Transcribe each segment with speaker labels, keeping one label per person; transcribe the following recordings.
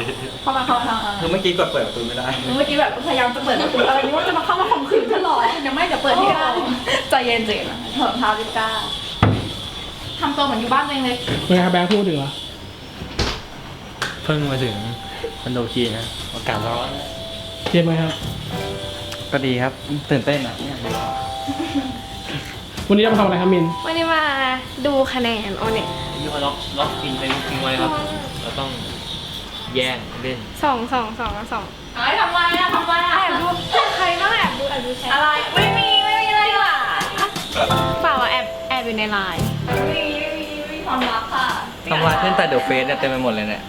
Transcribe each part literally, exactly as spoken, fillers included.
Speaker 1: เข้ามาเข้ามา
Speaker 2: คือเมื่อกี้กดเปิดประตูไม่ได้
Speaker 1: เมื่อกี้แบบพยายามจะเปิดประตูอะไรนี่ว่าจะมาเข้ามาข่มขืนฉันหรอยังไม่จะเปิดให้ได้ใจเย็นเจนถอดรองเท้าดิก้าทำตัวเหมือนอยู่บ้านเองเลย
Speaker 3: เป็นไงครับแบงค์พูดถึงเหรอ
Speaker 2: เพิ่งมาถึงคอนโดคีนะอากาศร้อน
Speaker 3: เทียบไหมครับ
Speaker 2: ก็ดีครับตื่นเต้นอ่ะ
Speaker 3: วันนี้จะมาทำอะไรครับมิน
Speaker 4: วันนี้มาดูคะแนนโอเน็ต
Speaker 2: ที่เขาล็อกล็อกอินไปทิ้งไว้ครับเราต้องแย่งเล่น
Speaker 4: สองสองสองสอง
Speaker 1: ไอ้ทำไรอะทำไรอะ
Speaker 4: แอบดูใครบ้างแอบดูแอบดูแชท
Speaker 1: อะไรไม่มีไม่มีอะไรว่ะ
Speaker 4: เปล่าแอบแอบอยู่ในไลน์
Speaker 1: ไม่มีไม่มีไม่มีความลับค่ะ
Speaker 2: ทำลายขึ้นแต่เดอะเฟสเนี่ยเต็มไปหมดเลยเนี่ย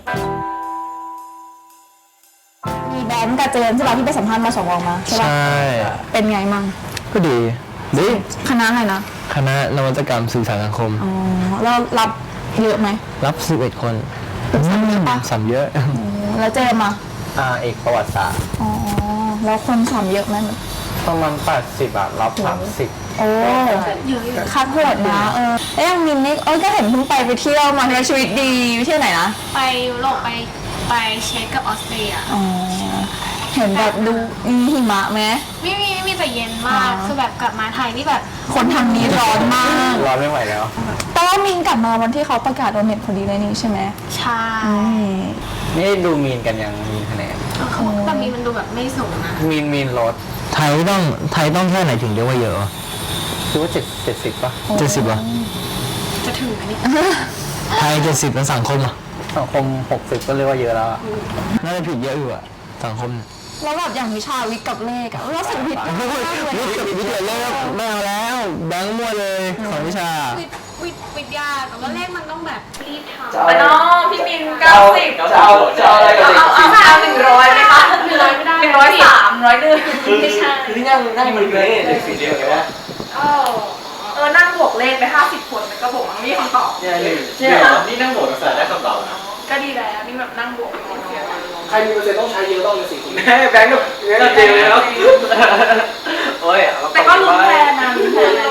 Speaker 1: มีแบงค์กับเจนใช่ป่ะที่ไปสัมภาษณ์มาสองวงมาใช่ป่ะ
Speaker 5: ใช่
Speaker 1: เป็นไงมั่ง
Speaker 5: ก็ดีดี
Speaker 1: คณะอะไรนะ
Speaker 5: คณะนวัตกรรมสื่อสารสังคม
Speaker 1: อ๋อแล้วรับเยอะไหม
Speaker 5: รับสิบเอ็ดคนสัมเยอะ
Speaker 1: แล้วเจมอ่ะ
Speaker 5: อ่าเอกประวัติศาสตร์
Speaker 1: อ๋อแล้วคนสัมเยอะไหม
Speaker 5: ประมาณแปดสิบอะรับสามสิบ
Speaker 1: โอ้คัดโหดนะเออแล้วยังมินนี่เอ้ยก็เห็นเพิ่งไปไปเที่ยวมาในชีวิตดีไปเที่ยวไหนนะ
Speaker 4: ไปยุโรปไปไปเช็กกับออสเตรีย
Speaker 1: อ๋อเห็นแบบดูมีหิมะไหม
Speaker 4: ไม่มีไม่มีแต่เย็นมากคือแบบกลับมาไทยนี่แบบ
Speaker 1: คนทางนี้ร้อนมาก
Speaker 5: ร้อนไม่ไหวแล้ว
Speaker 1: แต่ว่ามินกลับมาวันที่เขาประกาศโดนเน็ตพอดีเลยนี่ใช่ไหม
Speaker 4: ใช่
Speaker 5: นี่ดูมีนกันยังมีคะแนน
Speaker 4: แต่มีมันดูแบบไม่สูงนะ
Speaker 5: มีนมีนลดไทยต้องไทยต้องแค่ไหนถึงเรียกว่าเยอะคิดว่าเจ็ดเจ็ดสิบป่ะเจ็ดสิบป่ะ
Speaker 4: จะถึงไหมเนี่ย
Speaker 5: ไทยเจ็ดสิบแล้วสังคมอ่ะสังคมหกสิบก็เรียกว่าเยอะแล้วน่าจะผิดเยอะอยู่อะสังคม
Speaker 1: แล้วแบบอย่างวิชาวิทย์กับเลขอะเราสึกผิดมากเลย
Speaker 5: วิทย์กับวิทย์กับเลขไม่เอาแล้วแบงค์มั่วเลยของวิชา
Speaker 4: วิทย์วิทยาแต่ว่าเลขมันต้องแบบรีบท
Speaker 1: ำไปน้องพี่มินเก้าสิบ
Speaker 2: จะเอาจะเอาอะไรกัน
Speaker 1: เอาเอาเอาหนึ่งร้อยไหมคะ
Speaker 4: หนึ่งร้อยไม่ได้
Speaker 1: หนึ่งร้อยสามร้อยหนึ่งไม่ใช่
Speaker 2: คือนั่งนั่งมันเลยเด็กสีเดียวกันวะ
Speaker 1: เออนั่งบวกเลขไปห้าสิบคนก็บอกมันมีคำตอบ
Speaker 2: เนี่ยหนึ่งเนี่ยนี่นั่งบวกแต่ได้คำตอบนะ
Speaker 1: ก็ดีแล้วนี่แบบนั่งบวก
Speaker 3: ใครมีเปอร์เซ็นต์ต้องใช้เยอะต้องเป็นสี่คน
Speaker 2: แม่แบงค์กับเงี้ยจริงเลยครับโอ้ย
Speaker 1: แต่ก็ลุ้นแทนนะลุ้นแทน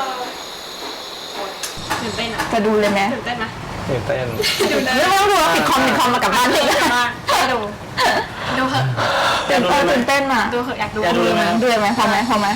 Speaker 4: ตื่นเต้นอ่ะ
Speaker 1: จะดูเลยไหม
Speaker 4: ตื่นเต้นไหม
Speaker 5: ตื่นเต้น
Speaker 1: ไม่ต้องดูปิดคอมปิดคอมมากลับบ้านเลย
Speaker 4: ดูดูเหอะ
Speaker 1: ตื่นเต้นตื่นเต้นอ่ะ
Speaker 4: ดูเหอะอยากดู
Speaker 1: ดูเลยไหมดูเลยไหมพอไหมพอไหม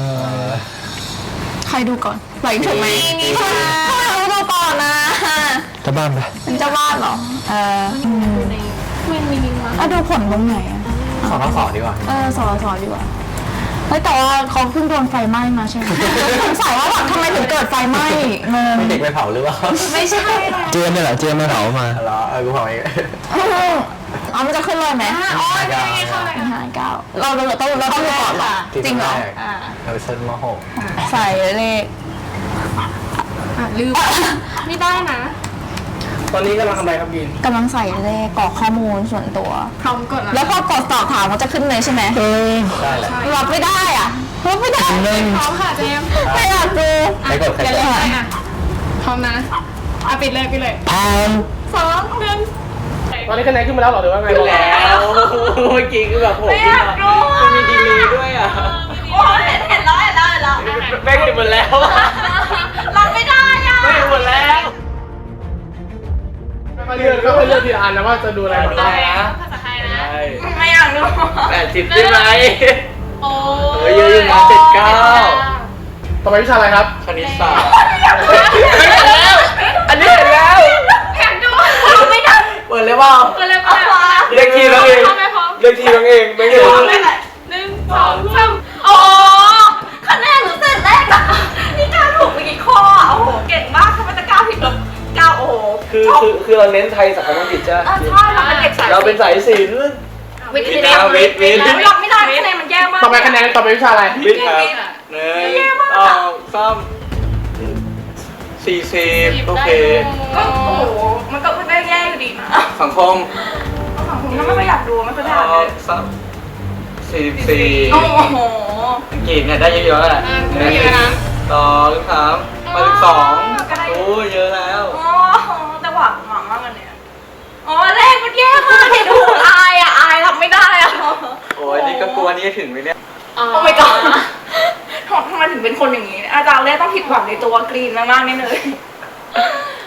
Speaker 1: ใครดูก่อนไหวถูกไหมนี่ค่ะทำไมเราดูก่อนนะ
Speaker 5: เจ้าบ้านไป
Speaker 1: เป็นเจ้าบ้านเหรอเออ
Speaker 4: ดูในเมนมินิมา
Speaker 1: อ่ะดูผลตรงไหนอ่ะ
Speaker 5: สอสอดีกว่า
Speaker 1: เออสอสอดีกว่าเฮ้ยแต่ว่าเขาเพิ่งโดนไฟไหม้มาใช่ไหมสงสัยว่าแบบทำไมถึงเกิดไฟไหม้งง
Speaker 5: ไม่เด็กไปเผาหรือเปล่า
Speaker 1: ไม่ใช่
Speaker 5: เจี๊ยบไม่เหรอเจี๊ยบไม่เผามาเหรอเออกูเผาเอง
Speaker 1: อ๋อมันจะขึ้นเลยไหม
Speaker 4: อ๋อยังไงเข้าเลย
Speaker 1: ห้าเก้าเราเราต้องเราต้องดูก่อนหรอจริงเหรอ
Speaker 5: เราไปเซิร์ชมาหก
Speaker 1: ใส่เลข
Speaker 4: ลืมไม่ได้นะ
Speaker 3: ตอนนี้กำลังทำอะไรครับบิน
Speaker 1: กำลังใส่เลขกรอกข้อมูลส่วนตัว
Speaker 4: พร้อมกด
Speaker 1: แล้วพอกดสอบถามมันจะขึ้นเลยใช่ไหม
Speaker 5: เออได้แหละ
Speaker 1: รับไม่ได้อ่ะรับไม่ได้
Speaker 4: พร้อมค่ะเจม
Speaker 1: ไม่อยากดู
Speaker 5: ไปกดใคร
Speaker 4: ก่อนพร้อมนะอ่ะปิดเลยปิดเลย
Speaker 5: พร้อม
Speaker 4: สองหนึ่ง
Speaker 3: ตอนนี้คะแนนขึ้นมาแล้วหรอหรือว่าไง
Speaker 2: แล้วเมื่อกี้คือแบบผม
Speaker 1: ไม่อยากดู
Speaker 2: มันมีดีลีด้วยอ่ะ
Speaker 1: โอ้เห็นเห็นแล้วเห็นแล้วเห็นแล้ว
Speaker 2: แม่งเห็นหมดแล้ว
Speaker 1: รับไม่ได้อ่ะ
Speaker 2: ไม่เห็นหมดแล้ว
Speaker 3: มาเลือกก็ไปเลือกทีละอันนะว่าจะดูอะไร
Speaker 2: ดูอะไรนะ
Speaker 4: ภาษาไทยนะ
Speaker 1: ไม่อยากดู
Speaker 2: แปดสิบได้ไหม
Speaker 4: โอ้
Speaker 2: ยเยอะอยู่นะเจ็ดเก้า
Speaker 3: ต่อไปวิชาอะไรครับ
Speaker 2: คณิตศาสตร์เห็นแล้วอันนี้เห็นแล้ว
Speaker 1: อยากดูไม่ได้
Speaker 2: เปิดเลยว่า
Speaker 4: เปิดเลยเปิด
Speaker 2: เลือกทีเราเองเลือกทีเราเองไม่เห็น
Speaker 4: หนึ่งสองสาม
Speaker 1: โอ้คะแนนหนูเสร็จแรกอะนี่ก้าวถูกไปกี่ข้อโอ้โหเก่งมากทำไมจะก้าวผิดหรอก้าวโอ้โห
Speaker 2: คือคือคือเราเน้นไทยสังคมอังกฤษใช่ไหม
Speaker 1: ใช่เราเป็นเด็กสาย
Speaker 2: เราเป็นสายศิลป์
Speaker 1: วิทย์วิทย์
Speaker 2: วิทย์วิทย์
Speaker 1: รับไม่ได้คะแนนมันแย่มาก
Speaker 3: ต่อไปคะแนนต่อไปวิชาอะไร
Speaker 2: วิทย์ครับหนึ่งสองสามสี่สิบโอเค
Speaker 1: ก็โอ้โหมันก็ไม่แย่อยู่ดีนะ
Speaker 2: สังคม
Speaker 1: สังคมก็ไม่ค่อยอยากดูไม่ค่อยได้เลย
Speaker 2: สักสี่สิบสี่
Speaker 1: โอ้โห
Speaker 2: อังกฤษเนี่ยได้เยอะๆแหละหนึ่งสองสามมาถึงสองโอ้ยเยอะแล้ว
Speaker 1: โอ้แต่หวังหวังมากเลยเนี่ยอ๋อเลขมันแย่มากเห็นดูอายอ่ะอายรับไม่ได้อ่ะ
Speaker 2: โอ้ยนี่ก็กลัวนี่ถึงไหมเนี่ย
Speaker 1: โอ้ไม่กล้าทำไมถึงเป็นคนอย่างนี้อาจารย์เลขต้องผิดหวังในตัวกรีนมากๆแน่เลย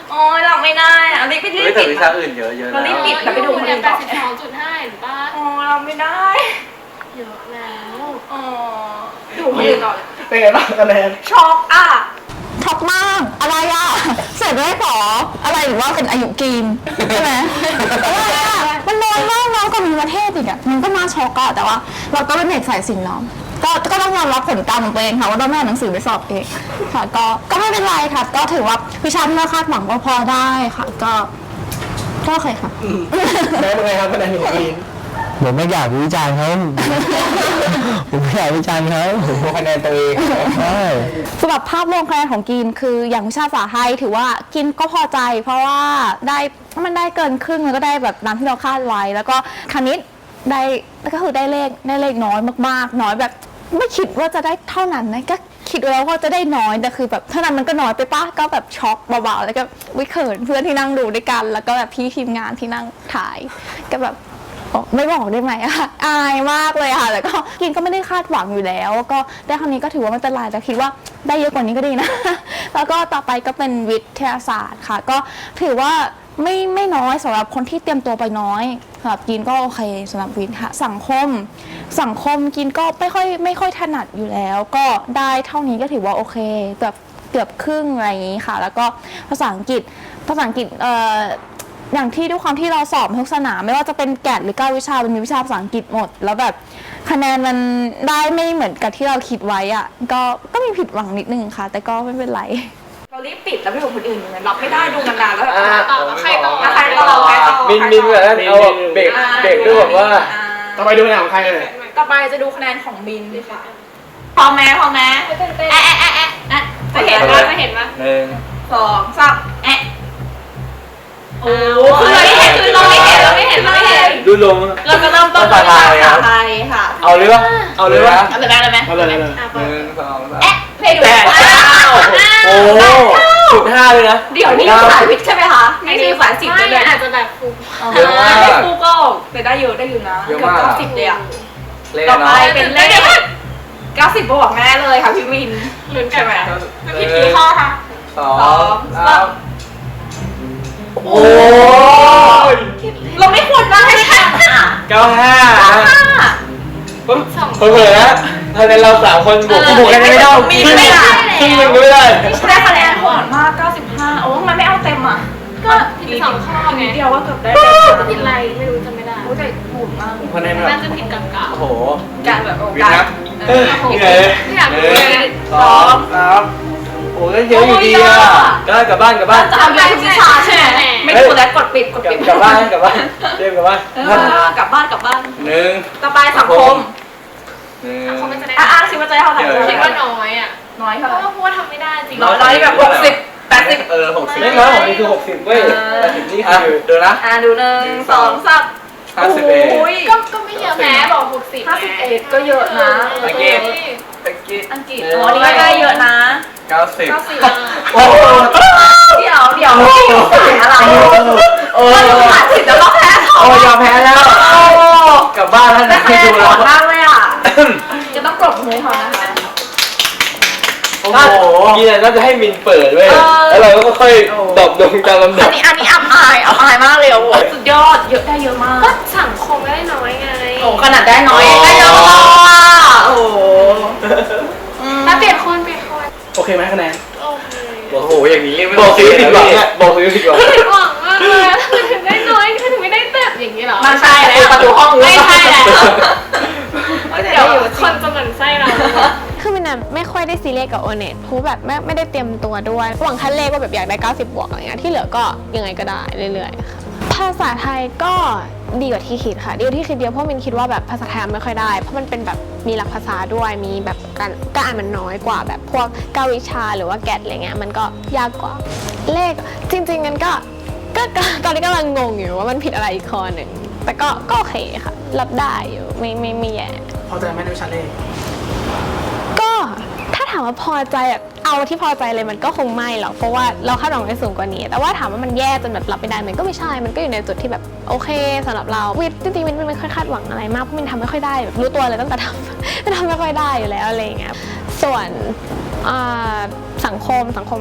Speaker 1: โอ้ยหลับไม่ได้อะรีบไปรีบ
Speaker 2: เฮ้ยแต่
Speaker 1: ปิด
Speaker 2: วิชาอื่นเยอะเยอะ
Speaker 1: เรา
Speaker 2: แล้
Speaker 1: รีบ
Speaker 2: ว
Speaker 1: ปิดแล้วไปดูคนอื่น
Speaker 4: แป
Speaker 1: ต่อ
Speaker 4: ดสิบสองจุดห้าหรือป่ะ
Speaker 1: โอ้ยเราไม่ได้
Speaker 4: เยอะแล้ว
Speaker 1: อ๋อดูคนอื่นต่อเลย
Speaker 3: เป็นไงบ้างคะแนน
Speaker 1: ช็อกอ่ะ
Speaker 6: ช็อกมากอะไรอ่ะเสร็จได้ขออะไรหรือว่าเป็นอายุกีนใช่ไหมอะไรอ่ะมันน้อยมากน้อยกว่ามีประเทศอีกอ่ะมันก็น่าช็อกอะแต่ว่า เราก็เป็นเด็กสายศิลป์เนาะก็ก็ต้องยอมรับผลกรรมของตัวเองค่ะว่าเราไม่เอาหนังสือไปสอบเองค่ะก็ก็ไม่เป็นไรค่ะ ก็ถือว่าวิชาที่เราคาดหวังก็พอได้ค่ะ ก็ก็โอเคค่ะ
Speaker 3: แนนเป็นไงครับคะแนนของกีน
Speaker 5: ผมไม่อยากวิจารณ์เขา ผมไม่อยากวิจารณ์เขา
Speaker 3: ดูคะแนนตัวเอง
Speaker 5: ใช่
Speaker 6: สำหรับภาพรวมคะแนนของกินคืออย่างวิชาภาษาไทยถือว่ากินก็พอใจ เพราะว่าได้มันได้เกินครึ่งมันก็ได้แบบตามที่เราคาดไว้ แล้วก็คณิตได้ก็คือได้เลขได้เลขน้อยมากๆ น้อยแบบไม่คิดว่าจะได้เท่านั้นนะก็คิดไว้แล้วว่าจะได้น้อยแต่คือแบบเท่านั้นมันก็น้อยไปป้าก็แบบช็อกเบาๆแล้วก็วิเขินเพื่อนที่นั่งดูด้วยกัน แล้วก็แบบพี่ทีมงานที่นั่งถ่ายก็แบบ ไม่บอกได้ไหมอะอายมากเลยค่ะแต่ก็กินก็ไม่ได้คาดหวังอยู่แล้ว ก็ได้ครั้งนี้ก็ถือว่าไม่เป็นไรแต่คิดว่าได้เยอะกว่านี้ก็ดีนะ แล้วก็ต่อไปก็เป็นวิทยาศาสตร์ค่ะ ก็ถือว่าไม่ไม่น้อยสำหรับคนที่เตรียมตัวไปน้อยสำหรับกินก็โอเคสำหรับวิทย์ค่ะสังคม สังคมกินก็ไม่ค่อยไม่ค่อยถนัดอยู่แล้ว ก็ได้เท่านี้ก็ถือว่าโอเคแบบเกือบครึ่งอะไรอย่างนี้ค่ะ แล้วก็ภาษาอังกฤษภาษาอังกฤษเอ่ออย่างที่ด้วยความที่เราสอบทุกสนามไม่ว่าจะเป็นแกดหรือเก้าวิชามันมีวิชาภาษาอังกฤษหมด แล้วแบบคะแนนมันได้ไม่เหมือนกับที่เราคิดไว้อะก็ก็มีผิดหวังนิดนึงค่ะ แต่ก็ไม่เป็นไร
Speaker 1: เรารีบปิดแล้วไปดูคนอื่นเลยรับไม่ได้ดูนานๆแล้วแบบ
Speaker 4: ต่อใครต่อ
Speaker 1: ใครต่อใครต่อ
Speaker 2: มินมินแบบนั้นเอาแบบเบรกเบรกด้วยแบบว่า
Speaker 3: ต่อไปดูคะแนนของใครเลย
Speaker 1: ต่อไปจะดูคะแนนของบินดีค่ะพร้อมไหมพร้อมไหมแอะแอะแอะแอะแอะจะเห็นว่าจะเห็นว่า
Speaker 2: หนึ่ง
Speaker 1: สองสามแอะโอ้คือเราไม่เห็นคือเราไม่เห็นเราไม่เห็นเราไม่เห็น
Speaker 2: ดูลง
Speaker 1: เราจะเริ่มต้นด้วยภาษาไทยค่ะ
Speaker 2: เอาเลยปะเอาเลยปะ
Speaker 1: เอาเลยไหมเอาเลยไหม
Speaker 3: เอาเลยเลย
Speaker 2: หนึ่งสองสาม
Speaker 1: แอะเพลงดู
Speaker 2: แปดเก้าโอ้สุดห้าเลยนะ
Speaker 1: เดี๋ยวนี่สายวิทย์ใช่ไหมคะนี่คือสายสิบ
Speaker 4: ไม่
Speaker 1: เลย
Speaker 4: อาจจะแบบฟุก
Speaker 2: เยอะมาก
Speaker 1: ไม่ครูก็แต่ได้เยอะได้อยู่นะ
Speaker 2: เยอะ
Speaker 1: เกือบ
Speaker 2: มาก
Speaker 1: เก้าสิบเลยอ่ะ
Speaker 2: เลข
Speaker 1: ต่อ
Speaker 2: เนาะ
Speaker 1: ไปเป็นเลขเก้าสิบบวกแน่เลยค่ะพี่วิน
Speaker 4: ลุ้นกันไหม
Speaker 1: พี่กี่ข้อคะ
Speaker 2: สองสามโอ้ย
Speaker 1: เราไม่ควรได้ค่ะ
Speaker 2: เก้าห้า
Speaker 1: ห้า
Speaker 2: ปุ๊บเผลอๆนะคะแนนเราสามคนบวกบวกกันไม่ได้
Speaker 1: มี
Speaker 2: ครึ่ง
Speaker 1: ไม่ได้
Speaker 2: ครึ่งหนึงก็ไม่ได้
Speaker 1: ได้คะแนนโหดมากเก้าสิบห้าโอ้ทำไมไม่เอาเต็มอ่ะ
Speaker 4: ก็ผิดสองข้อไง
Speaker 1: เดียวว่าเกือบได้
Speaker 4: จะผิดอะไรไม่รู้จำไม่ได้
Speaker 1: โอ้แต่โหดมาก
Speaker 2: คะแนนแบ
Speaker 4: น่า
Speaker 2: บ
Speaker 4: จะผิดกลางๆ
Speaker 2: โอ้โห
Speaker 1: การแบบโอ
Speaker 2: วิน
Speaker 1: กา
Speaker 2: นะ
Speaker 1: ส
Speaker 2: เออเหนื่อยเลย
Speaker 4: ไม่อยาก
Speaker 2: ห
Speaker 4: รู้
Speaker 2: นึ่
Speaker 4: เลย
Speaker 2: งสองสามโอ้ยเยอะอยู่ดีอ่ะก็กลับบ้านกลับบ้าน
Speaker 1: จะเอาเยอะทุกวิชาใช่ไหมไม่ถูกแล้วกดปิดกด
Speaker 2: กลับ
Speaker 1: ปิด
Speaker 2: กลับบ้านกลับบ้านเรียกกลับบ้าน
Speaker 1: เออกลับบ้านกลับบ้าน
Speaker 2: หนึ่ง
Speaker 1: ต่อไปสังคม
Speaker 2: หนึ่ง
Speaker 4: เขาไม่จะได้
Speaker 1: อ่ะอ่ะคิดว่าจะได้เท่าไหร่
Speaker 4: คิดว่าน้อยอ่ะ
Speaker 1: น้อย
Speaker 4: เพ
Speaker 1: เท่าไหร่
Speaker 4: ราะว่าพูดว่าทำไม่ได้จริง
Speaker 1: น้อยร้อยแบบหกสิบแปดสิบ
Speaker 2: เออหกสิบไม่น้อยของนี่คือหกสิบเว้ยแปดสิบนี่คือดูนะ
Speaker 1: อ่ะดูหนึ่งสองสาม
Speaker 2: ห้าสิบเอ็ด
Speaker 1: โอ้ย
Speaker 4: ก็ก็ไม่เยอะแม้บอกหกสิบ
Speaker 1: ห้าสิบเอ็ดก็เยอะนะ
Speaker 2: อังกฤษอังกฤษ
Speaker 1: อังกฤษอ๋อนี่ก็ได้เยอะนะ
Speaker 2: เก้าสิบ
Speaker 1: เก้าสิบ
Speaker 2: โอ้โห
Speaker 1: เดี๋ยวเดี๋ยวไม่อยู่สายอะไร
Speaker 2: โอ้
Speaker 1: มันผ่านสิบแล้วก็แพ้เขา
Speaker 2: โอ้ยอมแพ้แล้ว
Speaker 1: โอ้
Speaker 2: กลับบ้านท่าน
Speaker 1: แต่คะ
Speaker 2: ไม่
Speaker 1: แนน
Speaker 2: ดู
Speaker 1: โห
Speaker 2: แล้ว
Speaker 1: ดมากเลยอ่ะ จะต้องกรบมือเขานะคะ
Speaker 2: โอ้โหกินน่าจะให้มินเปิดเว้ยแล้วเราก็ค่อยดรอปลงตามลำดั
Speaker 1: อั
Speaker 2: บ
Speaker 1: นนี้อันนี้อับอายอับอายมากเลยโอ้โหสุดยอดเยอะได้เยอะมาก
Speaker 4: ก็สังคมไม่ได้น้อยไง
Speaker 1: โอ้ขนาดได้น้อยได้เยอะมากโอ้โห
Speaker 4: ถ้าเปลี่ยนคนเปลี่ยนคน
Speaker 3: โอเคไหมคะแนน
Speaker 4: โอเค
Speaker 2: โอ้โหอย่างนี้ไม่บอกซื้อผิดหวังอ่ะบอกซื้อผิดหวัง
Speaker 4: ผิดหวังมากเลยถึงได้น้อยถึงไม่ได้เต็มอย่างนี้เหรอ
Speaker 1: มันใช่แล้วประตูห้อง
Speaker 4: ไม่ใช่แล้ว
Speaker 1: เดี๋
Speaker 4: เดี๋
Speaker 1: ย
Speaker 4: ยว วคนจะหมั่นไส้เรา
Speaker 7: คือมันไม่ค่อยได้ซีเรียสกับโอเน็ตเพราะแบบไม่ไม่ได้เตรียมตัวด้วยหวังขั้นเลขว่าแบบอยากได้เก้าสิบบวกอะไรเงี้ยที่เหลือก็ยังไงก็ได้เรื่อยๆค่ะภาษาไทยก็ดีกว่าที่คิดค่ะดีกว่าที่คิดเดียวเพราะมินคิดว่าแบบภาษาไทยไม่ค่อยได้เพราะมันเป็นแบบมีหลักภาษาด้วยมีแบบการการอ่านมันน้อยกว่าแบบพวกเก้าวิชาหรือว่าแกดอะไรเงี้ยมันก็ยากกว่าเลขจริงๆงั้นก็ก็ก็ตอนนี้กำลังงงอยู่ว่ามันผิดอะไรอีกข้อหนึ่งแต่ก็ก็โอเคค่ะรับได้อยู่ไม่ไม่ไม่แย่
Speaker 3: พอใจไหมในวิชาเลข
Speaker 7: ก็ถ้าถามว่าพอใจแบบเอาที่พอใจเลยมันก็คงไม่หรอกเพราะว่าเราคาดหวังไว้สูงกว่านี้แต่ว่าถามว่ามันแย่จนแบบรับไม่ได้มันก็ไม่ใช่มันก็อยู่ในจุดที่แบบโอเคสำหรับเราวิทย์จริงๆมันไม่ค่อยคาดหวังอะไรมากเพราะมันทำไม่ค่อยได้แบบรู้ตัวเลยตั้งแต่ทำ มันทำไม่ค่อยได้อยู่แล้วอะไรอย่างเงี้ยส่วนอ่าสังคมสังคมแบบ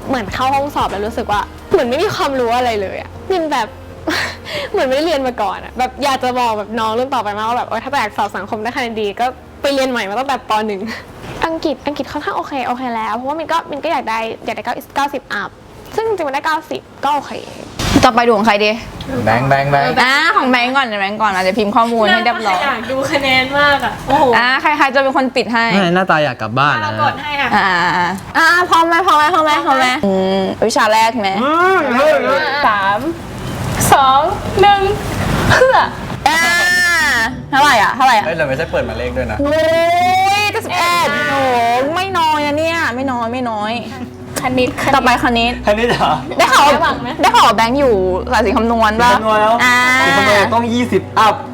Speaker 7: เหมือนเข้าห้องสอบแล้วรู้สึกว่าเหมือนไม่มีความรู้อะไรเลยอะมินแบบ เหมือนไม่ได้เรียนมาก่อนอะแบบอยากจะบอกแบบน้องรุ่นต่อไปมากว่าแบบโอ๊ยถ้าอยากสอบสังคมได้คะแนนดีก็ไปเรียนใหม่มาตั้งแต่ปหนึ่ง อังกฤษอังกฤษค่อนข้างโอเคโอเคแล้วเพราะว่ามินก็มินก็อยากได้อยากได้เก้าสิบอัพซึ่งจริงๆมันได้เก้าสิบก็โอเค
Speaker 6: ต่อไปดูของใครดี
Speaker 5: แบงค์แบงค์แบงค์
Speaker 6: อ่าของแบงก์ก่อนเดี๋ยวแบงก์ก่อนอาจจะพิมพ์ข้อมูลให้เรียบร้อย
Speaker 4: อยากดูคะแนนมากอ่ะ โอ้โห
Speaker 6: อ่าใครใครจะเป็นคนปิดให้
Speaker 5: ไม่หน้าตาอยากกลับบ้าน
Speaker 4: เรา
Speaker 5: นะ
Speaker 4: กดให้อ่ะ
Speaker 6: อ่าอ่าอ่าอ่าพร้อมไหมพร้อมไหมพร้อมไหมพร้อมไหมอืมวิชาแรกไหม
Speaker 4: สามสองหนึ่งเพื่อ
Speaker 6: อ่าเท่าไหร่อ่ะเท่าไหร่อ่ะ
Speaker 5: เฮ้ยเราไม่ใช่เปิดมาเลขด้วยนะ
Speaker 6: โอ้ยจะสิบเอ็ดโอ้ไม่น้อยนะเนี่ยไม่น้อยไม่น้อย
Speaker 4: คณิตคณิต
Speaker 6: ต่อไปคณิต
Speaker 5: อันนี้เหรอ
Speaker 6: ได้ข่าวได้ข่าวว่าแบงค์อยู่สายสีคำนวณป่ะ
Speaker 5: คำนวณแล้ว
Speaker 6: อ่า
Speaker 5: สีคำนวณต้องยี่สิบอัพ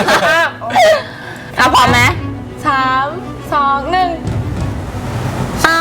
Speaker 6: อ่ะพร้อมไหม
Speaker 4: สามสองหนึ่ง
Speaker 6: อ้าว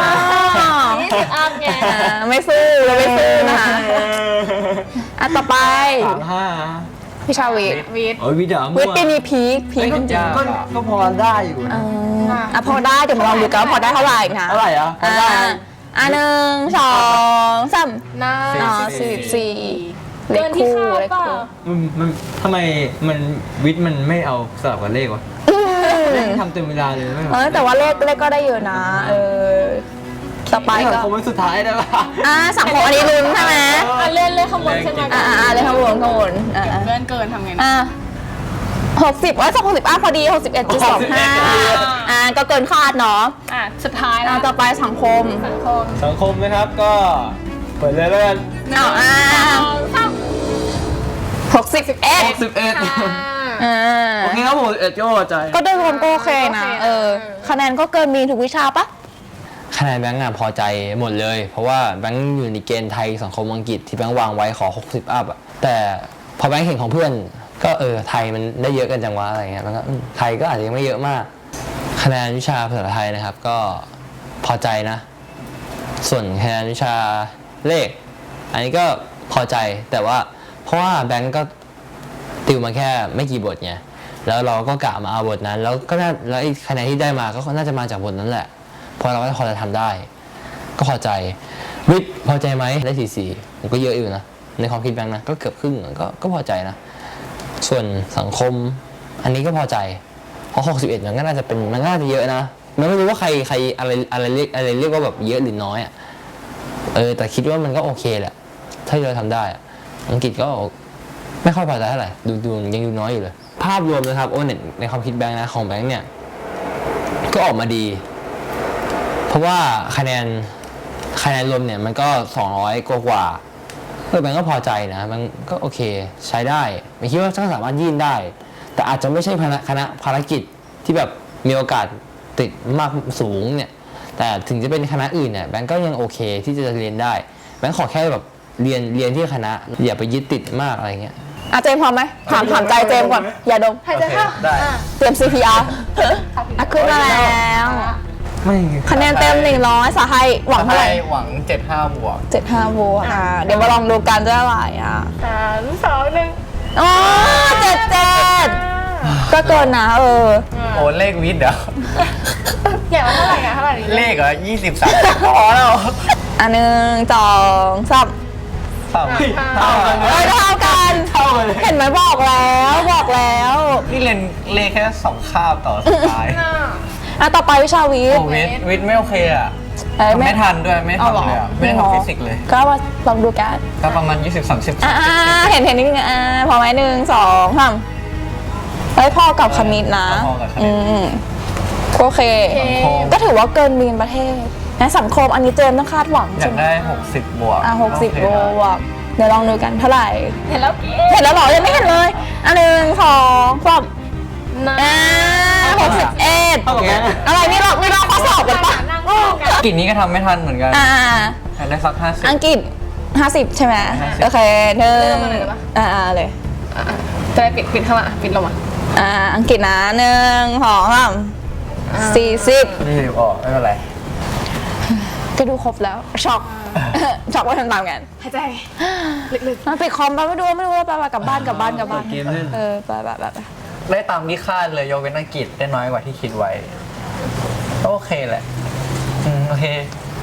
Speaker 4: ยี่สิบอัพไง
Speaker 6: อ่าไม่สู้เราไม่สู้นะคะอ่ะต่อไป
Speaker 5: สามห้า
Speaker 6: พิชาวิทย์
Speaker 4: วิทย์
Speaker 5: โอ้ยวิจารณ์
Speaker 6: วิทย์ปีนี้พีคพีคจริง
Speaker 5: ก็ก็พอได้อยู่
Speaker 6: ๆ
Speaker 5: นะ
Speaker 6: อ่าอ่ะพอได้เดี๋ยวมาลองดูกันว่าพอได้เท่าไหร่นะ
Speaker 5: เท่าไหร่อ่ะพอ
Speaker 6: อ่า
Speaker 5: ได้
Speaker 6: อ่ะหนึ่งสองสาม
Speaker 4: น่า
Speaker 6: อ๋อสี่สิบสี่เล
Speaker 4: เกิ
Speaker 6: ข
Speaker 4: นที่
Speaker 6: คู่
Speaker 4: คาด
Speaker 6: เลข
Speaker 4: เปล่า
Speaker 6: คู่
Speaker 5: มันมันทำไมมันวิทย์มันไม่เอาสลับกับเลขวะเลขทำเต็มเวลาเลยไม่หรอ
Speaker 6: เออแต่ว่าเลขเลขก็ได้เยอะนะ เออต่อไปก็
Speaker 5: คงเป็นสุดท้ายได้ปะ
Speaker 6: อ่าสังคมอันนี้ลุ้นใช่ไหม
Speaker 4: อ่ะเลื่อนเลื่อนข้างบนขึ้นมา
Speaker 6: อ่าอ่าเลยข้างบนข้างบนอ่า
Speaker 4: เลื่อนเกินทำไงนะ
Speaker 6: อ่าหกสิบว่าสองหกสิบอ่ะพอดีหกสิบเอ็ดจุดสองห้าอ่าก็เกินคาดเนาะ
Speaker 4: อ่ะสุดท้ายแล้
Speaker 6: อ่าวต่อไปสังคม
Speaker 4: สังคม
Speaker 5: สังคมนะครับก็เปิดเลยแล้วกัน
Speaker 6: อ้าวอ่า
Speaker 4: สองสาม
Speaker 6: หกสิบเอ็ด
Speaker 5: หกสิบเอ็ด
Speaker 6: อ่า
Speaker 5: โอเคครับผมเอ็ดก็พอใจ
Speaker 6: ก็โดยรวมก็โอเคนะเออคะแนนก็เกินมีทุกวิชาปะ
Speaker 5: คะแนนแบงค์อะพอใจหมดเลย เพราะว่าแบงค์อยู่ในเกณฑ์ไทยสังคมอังกฤษที่แบงค์วางไว้ขอหกสิบอัพอะแต่พอแบงค์เห็นของเพื่อนก็เออไทยมันได้เยอะกันจังวะอะไรเงี้ยมันก็อืมไทยก็อาจจะยังไม่เยอะมาก คะแนนวิชาภาษาไทยนะครับก็พอใจนะ ส่วนคะแนนวิชาเลข อันนี้ก็พอใจแต่ว่าเพราะว่าแบงค์ก็ติวมาแค่ไม่กี่บทไงแล้วเราก็กะมาเอาบทนั้น แล้วก็น่าแล้วไอ้คะแนนที่ได้มาก็น่าจะมาจากบทนั้นแหละเพราะเราก็พอจะทำได้ ก็พอใจวิทย์พอใจไหมได้สี่สี่ผมก็เยอะอยู่นะในความคิดแบงค์นะก็เกือบครึ่งก็ก็พอใจนะส่วนสังคมอันนี้ก็พอใจเพราะหกสิบเอ็ดมันก็น่าจะเป็นมันก็น่าจะเยอะนะมันไม่รู้ว่าใครใครอะไรอะไรเรียกอะไรเรียกว่าแบบเยอะหรือน้อยอ่ะเออแต่คิดว่ามันก็โอเคแหละถ้าเราทำได้อะอังกฤษก็ไม่ค่อยพอใจเท่าไหร่ดูดูยังดูน้อยอยู่เลยภาพรวมนะครับโอเน็ตในความคิดแบงค์นะของแบงค์เนี่ยก็ออกมาดีเพราะว่าคะแนนคะแนนรวมเนี่ยมันก็สองร้อยกว่ากว่าเออแบงค์ก็พอใจนะมันก็โอเคใช้ได้ไม่คิดว่าจะสามารถยื่นได้ แต่อาจจะไม่ใช่คณะคณะภารกิจที่แบบมีโอกาสติดมากสูงเนี่ยแต่ถึงจะเป็นคณะอื่นเนี่ยแบงค์ก็ยังโอเคที่จะเรียนได้แบงค์ขอแค่แบบเรียนเรียนที่คณะอย่าไปยึดติดมากอะไรเงี้ย
Speaker 6: อ่ะเจมส์พร้อมไหมถามถามใจเจมส์ก่อนอย่าดม
Speaker 4: หายใจเข้า
Speaker 5: ได้
Speaker 6: เตรียม ซี พี อาร์ อ่ะขึ้นมาแล้ว
Speaker 5: ไม่
Speaker 6: คะแนนเต็มหนึ่งร้อยสาไทยหวังเท่าไหร่
Speaker 5: หวังเจ็ดห้าบวก
Speaker 6: เจ็ดห้าโวลต์อ่ะเดี๋ยวมาลองดูกันจะเท่าไหร่อ่ะ
Speaker 4: สามสองหนึ่ง
Speaker 6: อ๋อเจ็ดเจ็ดก็เกินนะเออ
Speaker 5: โอ้เลขวิทย์เหรอ
Speaker 4: อยากว่าเท่าไหร่อะเท่าไหร่ดี
Speaker 5: เลขเหรอยี่สิบสามพอแล้ว
Speaker 6: อันหนึ่งสองสาม
Speaker 5: เท่า
Speaker 6: เออเท่ากัน
Speaker 5: เท่าเลย
Speaker 6: เห็นไหมบอกแล้วบอกแล้ว
Speaker 5: นี่เรียนเลขแค่สองคาบต่อสปาย
Speaker 6: อ่ะต่อไปวิชาวิท
Speaker 5: โอ้
Speaker 6: ย์
Speaker 5: วิทย์วิทย์ไม่โอเคอ่ะ
Speaker 6: เอ้ย
Speaker 5: ไม่ทันด้วยไม่
Speaker 6: เอาหรอ
Speaker 5: ทำเลยอ่ะไม่ได้ทำฟิสิกส์เลย
Speaker 6: ก็มาลองดูกัน
Speaker 5: ก็ประมาณยี่สิบสามสิบ
Speaker 6: อ่าเห็นเห็นนิดนึงอ่าพอไหมหนึ่งสองสามเฮ้ยพ่อกับคณิตนะ
Speaker 5: พอกับค
Speaker 6: อื
Speaker 5: ณิต
Speaker 6: มโอเค
Speaker 5: สังคม
Speaker 6: ก็ถือว่าเกินมีนประเทศนะสังคมอันนี้เจมส์ต้องคาดหวัง
Speaker 5: อยา
Speaker 6: ใช่
Speaker 5: ก
Speaker 6: ไหม
Speaker 5: ได้หกสิบบวก
Speaker 6: อ่ะหกสิบ
Speaker 5: โอเค
Speaker 6: โล
Speaker 5: นะ
Speaker 6: วกเดี๋ยวลองดูกันเท่าไหร่
Speaker 4: เห็นแล้ว
Speaker 6: เห็นแล้วเหรอยังไม่เห็นเลยอันหนึ่งสองสาม
Speaker 4: นะ
Speaker 6: อ่าหกสิบเอ็ด
Speaker 5: โอเค
Speaker 6: อะไรนี่เราไม่เราข้อสอบกันปะ
Speaker 4: นั่งคู่กัน
Speaker 5: กินนี้ก็ทำไม่ทันเหมือนกัน
Speaker 6: อ่า
Speaker 5: อยากได้สักห้าสิบ
Speaker 6: อังกฤษห้าสิบใช่ไหม
Speaker 5: ห้าสิบ
Speaker 6: โอเคหนึ่งอ่าเลย
Speaker 4: จะไปปิดปิดข้างหลังปิดลงมา
Speaker 6: อ่าอังกฤษนะหนึ่งสองสามสี่สิบ
Speaker 5: นี่ออกไม่เป็นไร
Speaker 6: ก็ดูครบแล้วช็อกช็อกว่าทำตามกัน
Speaker 4: หายใจ
Speaker 6: มาปิดคอมไปไม่ดูไม่ดูแล้วไปไปกลับบ้านกลับบ้านกลับบ้าน
Speaker 5: เปิดเกมเล่น
Speaker 6: เออไปไปไปไป
Speaker 5: ได้ตามที่คาดเลยยกเว้นอังกฤษได้น้อยกว่าที่คิดไว้ก็โอเคแหละอืมโอเค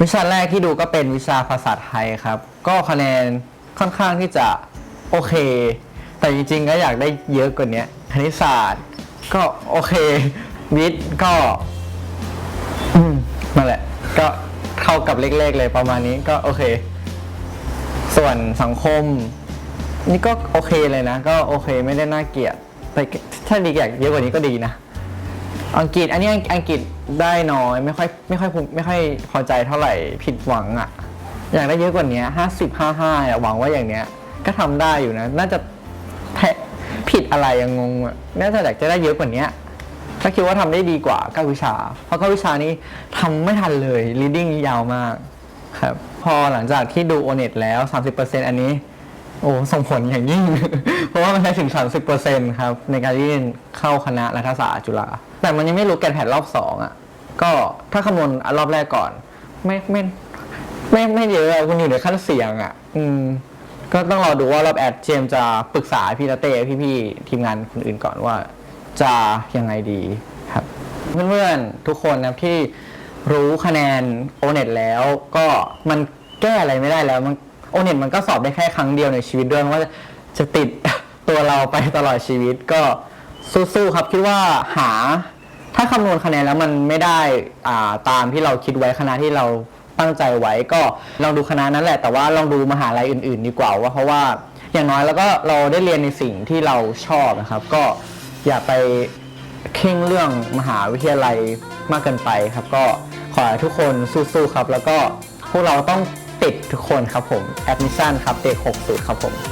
Speaker 8: วิชาแรกที่ดูก็เป็นวิชาภาษาไทยครับ ก็คะแนนค่อนข้างที่จะโอเค แต่จริงๆก็อยากได้เยอะกว่านี้คณิตศาสตร์ก็โอเควิทย์ก็อืมนั่นแหละก็เข้ากับเลขๆเลยประมาณนี้ก็โอเค ส่วนสังคมนี่ก็โอเคเลยนะ ก็โอเคไม่ได้น่าเกลียดแต่ถ้าดีอยากเยอะกว่านี้ก็ดีนะอังกฤษอันนี้อังกฤษได้น้อยไม่ค่อยไม่ค่อยไม่ค่อยพอใจเท่าไหร่ผิดหวังอ่ะอยากได้เยอะกว่านี้ห้าสิบห้าห้าอ่ะหวังว่าอย่างเนี้ยก็ทำได้อยู่นะน่าจะแพ้ผิดอะไรยังงงอ่ะน่าจะอยากจะได้เยอะกว่านี้ถ้าคิดว่าทำได้ดีกว่าเก้าวิชาเพราะเก้าวิชานี้ทำไม่ทันเลย reading ยาวมากครับพอหลังจากที่ดู โอ เน็ต แล้ว สามสิบเปอร์เซ็นต์ อันนี้โอ้ส่งผลอย่างยิ่ง เพราะว่ามันใช้ถึง สามสิบเปอร์เซ็นต์ ครับในการยื่นเข้าคณะรัฐศาสตร์จุฬาแต่มันยังไม่รู้แกนแพทรอบสองอ่ะก็ถ้าคำนวณรอบแรกก่อนไม่ไม่ไม่ไม่เยอะคุณอยู่ในขั้นเสี่ยงอ่ะอืมก็ต้องรอดูว่ารอบแอดเจมจะปรึกษาพี่ลาเต้พี่ๆทีมงานคนอื่นก่อนว่าจะยังไงดีครับเพื่อนๆทุกคนนะที่รู้คะแนน โอ เน็ต แล้วก็มันแก้อะไรไม่ได้แล้วมัน โอ เน็ต มันก็สอบได้แค่ครั้งเดียวในชีวิตด้วยว่าจะติด ตัวเราไปตลอดชีวิตก็สู้ๆครับคิดว่าหาถ้าคำนวณคะแนนแล้วมันไม่ได้อ่าตามที่เราคิดไว้คณะที่เราตั้งใจไว้ก็ลองดูคณะนั้นแหละแต่ว่าลองดูมหาลัยอื่นๆดีกว่าว่าเพราะว่าอย่างน้อยแล้วก็เราได้เรียนในสิ่งที่เราชอบนะครับก็อย่าไปเข่งเรื่องมหาวิทยาลัยมากเกินไปครับก็ขอให้ทุกคนสู้ๆครับแล้วก็พวกเราต้องติดทุกคนครับผมแอดมิชชั่นครับเด็กหกสูตรครับผม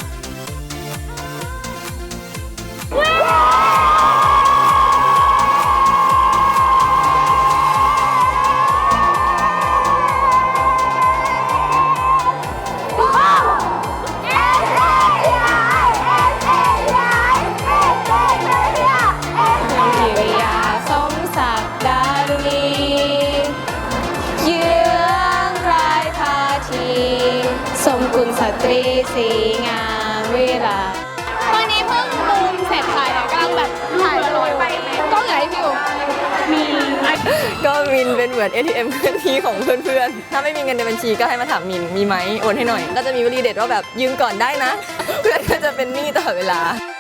Speaker 7: สตรีสีงามเวลาตอนนี้เพิ่งบูมเสร็จค่ะกำลังแบบถ่ายรูปก็ไหนพี่อยู่มี
Speaker 9: ก็มินเป็นเหมือน เอ ที เอ็ม เคลื่อนที่ของเพื่อนๆ ถ้าไม่มีเงินในบัญชีก็ให้มาถามมินมีไหมโอนให้หน่อย ก็จะมีวลีเด็ดว่าแบบยืมก่อนได้นะ เพื่อนก็จะเป็นหนี้ตลอดเวลา